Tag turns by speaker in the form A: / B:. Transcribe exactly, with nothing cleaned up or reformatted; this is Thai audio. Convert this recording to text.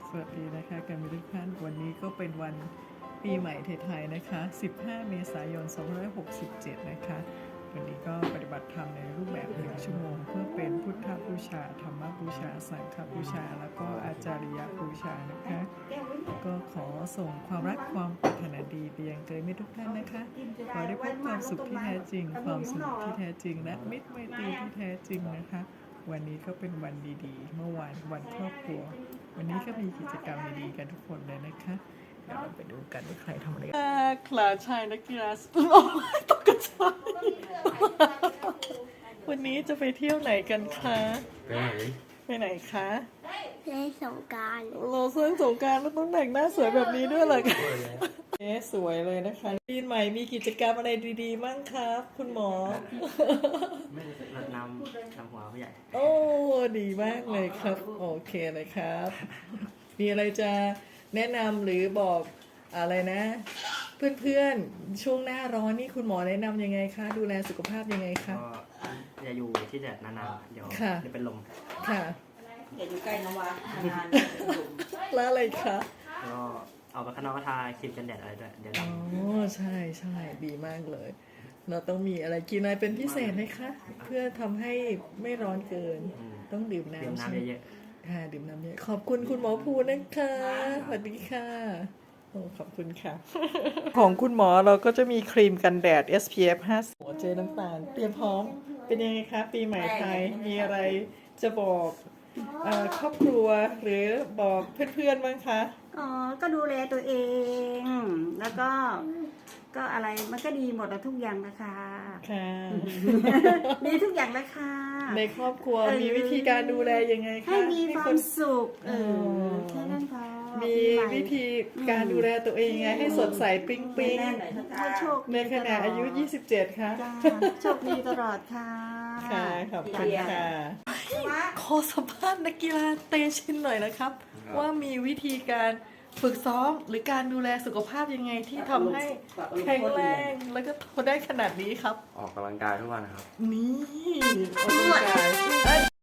A: สวัสดีนะคะกันทุกท่านวันนี้ก็เป็นวันปีใหม่ไทยๆนะคะสิบห้าเมษายนสองพันห้าร้อยหกสิบเจ็ดนะคะวันนี้ก็ปฏิบัติธรรมในรูปแบบหนึ่งชั่วโมงเพื่อเป็นพุทธบูชาธรรมบูชาสังฆบูชาแล้วก็อาจาริยบูชานะคะก็ขอส่งความรักความปรารถนาดีไปยังเกยมิตรทุกท่านนะคะขอได้พบความสุขที่แท้จริงความสนุกที่แท้จริงและมิตรไมตรีที่แท้จริงนะคะวันนี้ก็เป็นวันดีๆเมื่อวานวันครอบครัววันนี้ก็มีกิจกรรมดีๆกันทุกคนเลยนะคะเดี๋ยวเราไปดูกันว่าใครทำอะไรกันคลาชายนักกีฬาโอ้ยตกกระจายวันนี้จะไปเที่ยวไหนกันคะไปไหนไปไหนคะ
B: เล่นสงกรานต์
A: เราเสื้อสงกรานต์แล้วต้องแต่งหน้าสวยแบบนี้ด้วยเหรอคะเอ๊ะสวยเลยนะคะปีใหม่มีกิจกรรมอะไรดีๆมั่งครับคุณหมอ
C: ไม่รดน้ำน้ำหัวผู้ใหญ่
A: โอ้ดีมากเลยครับโอเคเลยครับมีอะไรจะแนะนำหรือบอกอะไรนะ เพื่อนๆช่วงหน้าร้อนนี่คุณหมอแนะนำยังไงคะดูแลสุขภาพยังไงคะ
C: ก็อย่าอยู่ที่แดดนานๆเดี๋ยวจะเป็นลม
A: ค่ะ
D: อย่าอยู่ใกล้น้ำวะนาน
A: ๆแล้วอะไรคะ
C: ก็ออกไปข้างนอกก็ทาครีมกันแดดอะไรด้วยเดี๋ยว
A: อ๋อใช่ใช่ดีมากเลยเราต้องมีอะไรกินอะไรเป็นพิเศษไหมคะเพื่อทำให้ไม่ร้อนเกินต้องดื่มน้ำใช่ไหมค่ะดื่มน้ำเยอะขอบคุณคุณหมอภูนะคะสวัสดีค่ะโอ้ขอบคุณค่ะ ของคุณหมอเราก็จะมีครีมกันแดด เอส พี เอฟ ห้าสิบหัวเจน้ำตาลเตรียมพร้อมเป็นยังไงคะปีใหม่ไทยมีอะไรจะบอกครอบครัวหรือบอกเพื่อนๆบ้างคะ
D: อ๋อก็ดูแลตัวเองแล้วก็ก็อะไรมันก็ดีหมดแล้วทุกอย่างนะคะ
A: ค่ะ
D: มีทุกอย่างนะคะ
A: ในครอบครัวมีวิธีการดูแลยังไงคะ
D: ให้มีความสุขเออแค่นั้นพอ
A: มีวิธีการดูแลตัวเองยังไงให้สดใสปิ๊งปิ๊งในขณะอายุยี่สิบเจ็ดค่ะ
D: โชคดีตลอดค่ะ
A: ค่ะขอบคุณค่ะขอสัมภาษณ์นักกีฬาเตชินหน่อยนะครับว่ามีวิธีการฝึกซ้อมหรือการดูแลสุขภาพยังไงที่ทำให้แข็งแรงแล้วก็ทนได้ขนาดนี้ครับ
C: ออกกำลังกายทุกวันครับ
A: นี่ออกกำลังกาย